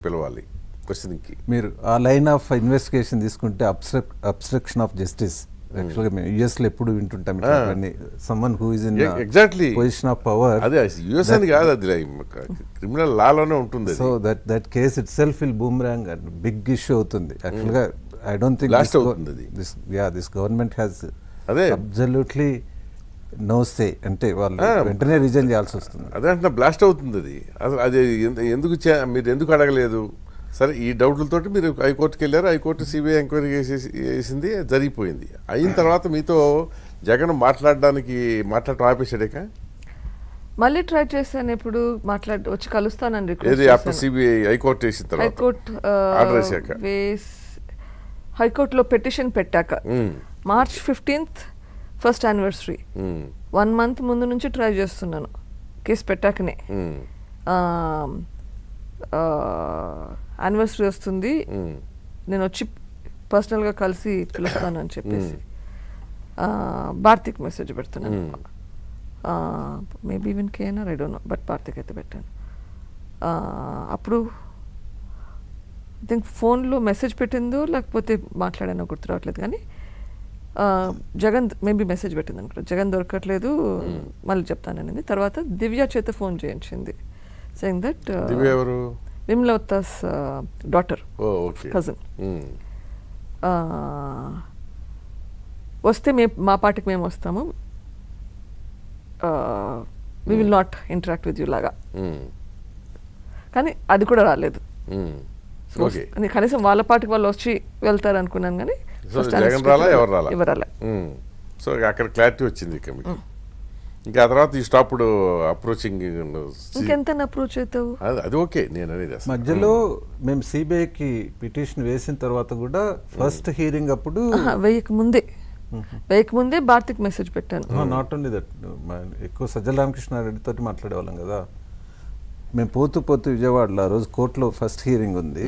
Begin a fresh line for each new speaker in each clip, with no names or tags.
పిలవాలి క్వశ్చన్కి.
మీరు ఆ లైన్ ఆఫ్ ఇన్వెస్టిగేషన్ తీసుకుంటే అబ్స్ట్రక్షన్ ఆఫ్ జస్టిస్ యాక్చువల్గా మేము యుఎస్లో ఎప్పుడు వింటుంటాం ఇట్లాంటివన్నీ. Summon who is in
exactly
position of power,
అదే యుఎస్ అని కాదు, అది క్రిమినల్ లాలోనే ఉంటుంది.
So that case itself will boomerang and big issue అవుతుంది యాక్చువల్గా. ఐ డోంట్ థింక్
బ్లాస్ట్ అవుతుంది అది.
దిస్ గవర్నమెంట్ హ్యాస్
అదే
అబ్సల్యూట్లీ నో సే, అంటే వాళ్ళు వెంటనే రిజైన్ చేయాల్సి వస్తుంది.
అదే అంటే బ్లాస్ట్ అవుతుంది అది. అసలు అది ఎందుకు మీరు ఎందుకు అడగలేదు? సరే, ఈ డౌట్లతోటి మీరు హైకోర్టుకి వెళ్ళారు, హైకోర్టు సిబిఐ ఎంక్వైరీ చేసింది, జరిగిపోయింది. అయిన తర్వాత మీతో జగన్ మాట్లాడటం ఆపేసాడేక?
మళ్ళీ ట్రై చేశాను, ఇప్పుడు వచ్చి కలుస్తానండి.
ఏది అప్పుడు సిబిఐ హైకోర్టు వేసిన తర్వాత, ఆర్డర్ వేసాక,
హైకోర్టులో పెటిషన్ పెట్టాక March 15th first anniversary, 1 month ముందు నుంచి ట్రై చేస్తున్నాను కేసు పెట్టాకనే. యానివర్సరీ వస్తుంది, నేను వచ్చి పర్సనల్గా కలిసి పిలుస్తాను అని చెప్పేసి భారతికి మెసేజ్ పెడుతున్నాను. Maybe even KNR, I don't know, but భారతికి అయితే పెట్టాను. అప్పుడు ఐ థింక్ ఫోన్లో మెసేజ్ పెట్టిందో లేకపోతే మాట్లాడానో గుర్తు రావట్లేదు, కానీ జగన్ మేబీ మెసేజ్ పెట్టింది అనుకుంటా. జగన్ దొరకట్లేదు, మళ్ళీ చెప్తానని. తర్వాత దివ్య చేత ఫోన్ చేయించింది, సెయింగ్ దట్ విమ్లవతాస్ డాటర్, కజిన్, వస్తే మా పార్టీకి మేము వస్తాము, we will not interact with you లాగా. కానీ అది కూడా రాలేదు. కనీసం వాళ్ళ పార్టీకి వాళ్ళు వచ్చి వెళ్తారు అనుకున్నాను, కానీ
ఎవరు రాలే. సో అక్కడ క్లారిటీ వచ్చింది. ఇంకా ఆ తర్వాత ఈ స్టాప్డ్ అప్రోచింగ్.
ఇంకెంత అప్రోచ్ అవుతావు?
అది ఓకే, నేను అనేది
మధ్యలో మేము సిబిఐకి పిటిషన్ వేసిన తర్వాత కూడా ఫస్ట్ హియరింగ్ అప్పుడు
వేయక ముందే భారతికి మెసేజ్ పెట్టాను.
నాట్ ఓన్లీ దట్, ఎక్కువ సజ్జల రామకృష్ణారెడ్డి తోటి మాట్లాడేవాళ్ళం కదా మేము. పోతూ విజయవాడలో ఆ రోజు కోర్టులో ఫస్ట్ హియరింగ్ ఉంది.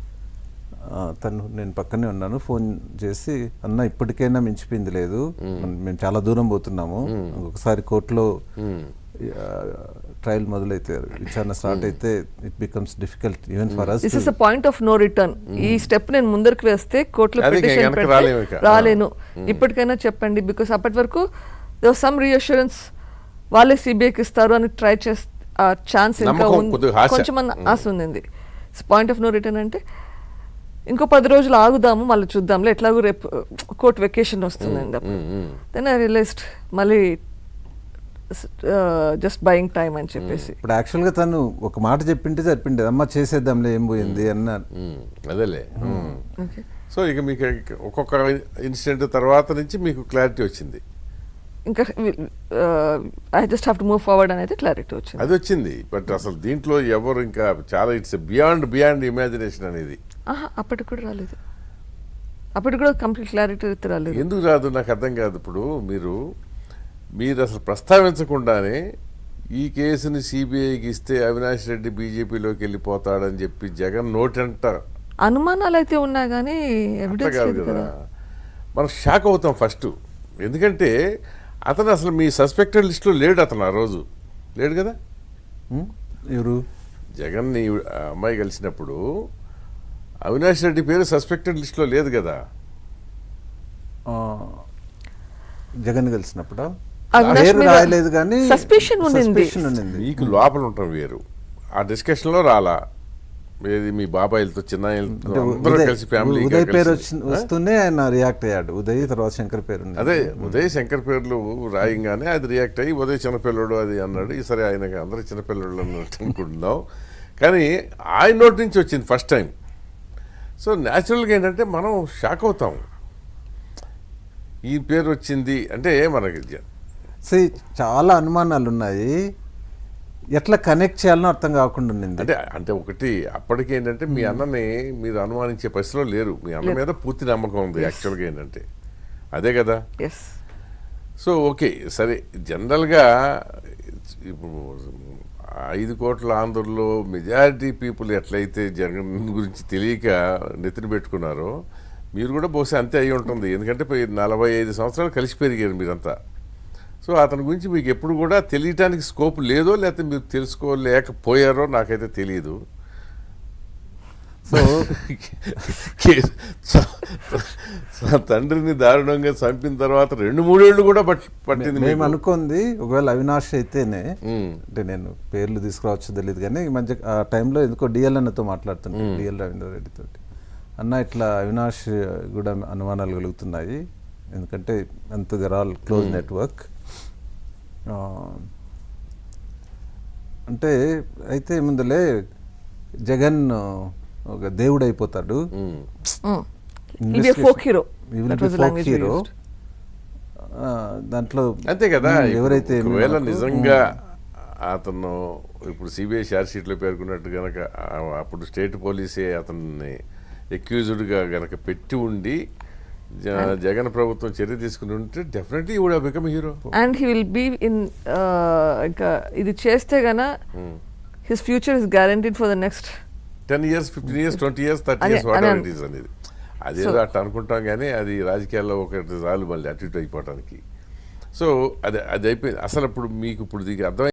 నేను పక్కనే ఉన్నాను, ఫోన్ చేసి, అన్న ఇప్పటికైనా మించిపోయింది లేదు, మేము చాలా దూరం పోతున్నాము, ఒకసారి కోర్టులో ట్రయల్ మొదలైతే విచారణ స్టార్ట్ అయితే it becomes difficult even for us.
This is a point of no return. ఈ స్టెప్ నేను ముందరికి వేస్తే కోర్టులో పిటిషన్ పెడితే రాలేను, ఇప్పటికైనా చెప్పండి. బికాస్ అప్పటి వరకు దేర్ వాస్ సమ్ రీఅష్యూరెన్స్, వాళ్ళే సిబిఐకి ఇస్తారు అని ట్రై చేస్తే ఛాన్స్ ఇంకా కొంచెం ఆశ ఉంది. పాయింట్ ఆఫ్ నో రిటర్న్ అంటే ఇంకో 10 రోజులు ఆగుదాము, మళ్ళీ చూద్దాంలే, ఎట్లాగో రేపు కోర్ట్ వెకేషన్ వస్తుందండి. దెన్ ఐ రియలైజ్డ్ మళ్ళీ జస్ట్ బయింగ్ టైం అని చెప్పేసి.
ఇప్పుడు యాక్చువల్గా తను ఒక మాట చెప్పింటే సరిపిండేది, అమ్మ చేసేద్దాంలే ఏం పోయింది అన్నారు.
అదేలే. సో ఇక మీకు ఒక్కొక్క ఇన్సిడెంట్ తర్వాత నుంచి మీకు క్లారిటీ వచ్చింది.
ఇంకా I just have to move forward అనేది క్లారిటీ వచ్చింది.
అది వచ్చింది. బట్ అసలు దీంట్లో ఎవరు ఇంకా చాలా ఇట్స్ బియాండ్ ఇమాజినేషన్ అనేది.
అప్పటికి కూడా రాలేదు, అప్పటికి కూడా కంప్లీట్ క్లారిటీ రాలేదు.
ఎందుకు రాదు నాకు అర్థం కాదు. ఇప్పుడు మీరు అసలు ప్రస్తావించకుండానే ఈ కేసుని సిబిఐకి ఇస్తే అవినాష్ రెడ్డి బీజేపీలోకి వెళ్ళిపోతాడని చెప్పి జగన్ నోటంట
అనుమానాలు అయితే ఉన్నా కానీ ఎవిడెన్స్ లేదు కదా.
మనం షాక్ అవుతాం ఫస్ట్, ఎందుకంటే అతను అసలు మీ సస్పెక్టెడ్ లిస్టులో లేడు. అతను ఆ రోజు లేడు కదా.
ఎవరు?
జగన్ అమ్మాయి కలిసినప్పుడు అవినాష్ రెడ్డి పేరు సస్పెక్టెడ్ లిస్టులో లేదు కదా.
జగన్ కలిసినప్పుడు
రాయలేదు, కానీ సస్పెషన్ ఉంది.
మీకు లోపల ఉంటాం వేరు, ఆ డిస్కషన్లో రాలా. ఏది మీ బాబాయిలతో చిన్న కలిసి ఫ్యామిలీ
ఉదయ్ పేరు వస్తూనే ఆయన రియాక్ట్ అయ్యాడు. ఉదయ్ తర్వాత శంకర్ పేరు,
అదే ఉదయ్ శంకర్ పేర్లు రాయంగానే అది రియాక్ట్ అయ్యి ఉదయ్ చిన్నపిల్లడు అది అన్నాడు. సరే ఆయనకి అందరూ చిన్నపిల్లడు అన్నట్టు అనుకుంటున్నాం, కానీ ఆయన నోటి నుంచి వచ్చింది ఫస్ట్ టైం. సో న్యాచురల్గా ఏంటంటే మనం షాక్ అవుతాం, ఈ పేరు వచ్చింది అంటే మనకి.
చాలా అనుమానాలు ఉన్నాయి, ఎట్లా కనెక్ట్ చేయాలనో అర్థం కాకుండా ఉంది.
అంటే ఒకటి అప్పటికి ఏంటంటే మీ అన్నని మీరు అనుమానించే పరిస్థితిలో లేరు. మీ అన్న మీద పూర్తి నమ్మకం ఉంది. యాక్చువల్గా ఏంటంటే అదే కదా. సో ఓకే, సరే, జనరల్గా ఇప్పుడు 5 కోట్ల ఆంధ్రలో మెజారిటీ పీపుల్ ఎట్లయితే జగన్ గురించి తెలియక నెత్తిన పెట్టుకున్నారో మీరు కూడా బహుశా అంతే అయి ఉంటుంది. ఎందుకంటే 45 సంవత్సరాలు కలిసి పెరిగారు మీరంతా. సో అతని గురించి మీకు ఎప్పుడు కూడా తెలియటానికి స్కోప్ లేదో లేకపోతే మీరు తెలుసుకోలేకపోయారో నాకైతే తెలియదు.
సో
తండ్రిని దారుణంగా చంపిన తర్వాత 2-3 ఏళ్ళు కూడా పట్టింది
మేము
మీకు.
అనుకుంది ఒకవేళ అవినాష్ అయితేనే,
ఉమ్,
అంటే నేను పేర్లు తీసుకురావచ్చు తెలియదు కానీ ఈ మధ్య ఆ టైంలో ఎందుకో డిఎల్ అన్నతో మాట్లాడుతున్నాను, డిఎల్ రవీంద్రారెడ్డి తోటి. అన్న ఇట్లా అవినాష్ కూడా అనుమానాలు కలుగుతున్నాయి, ఎందుకంటే అంత ఆల్ క్లోజ్ నెట్వర్క్. అంటే అయితే ముందులే జగన్ ఒక దేవుడు అయిపోతాడు,
ఉమ్.
He'll be a folk hero.
He will
That
be
was the
folk
language we
hero.
used.
దాంట్లో
అంతే కదా.
ఎవరైతే
ఒకవేళ
నాకు-
నిజంగా అతను ఇప్పుడు సిబిఐ ఛార్జ్ షీట్లో పేర్కొన్నట్టు గనక అప్పుడు స్టేట్ పోలీసే అతన్ని ఎక్యూజ్డ్గా గనక పెట్టి ఉండి జగన్ ప్రభుత్వం చర్య తీసుకుని ఉంటే definitely would have become hero.
And he will be in ఇంకా ఇది చేస్తే గన his future is guaranteed for the next
10 years, 15 years, 20 years, 30
అదే,
years, వాట్
అదే.
ఎవర్ ఇట్ ఈస్ అనేది. అదేదో అట్లా అనుకుంటాం కానీ అది రాజకీయాల్లో ఒకటి చాలు మళ్ళీ అటు ఇటు అయిపోవటానికి. సో అది అయిపోయింది. అసలు ఇప్పుడు మీకు ఇప్పుడు దీనికి అర్థం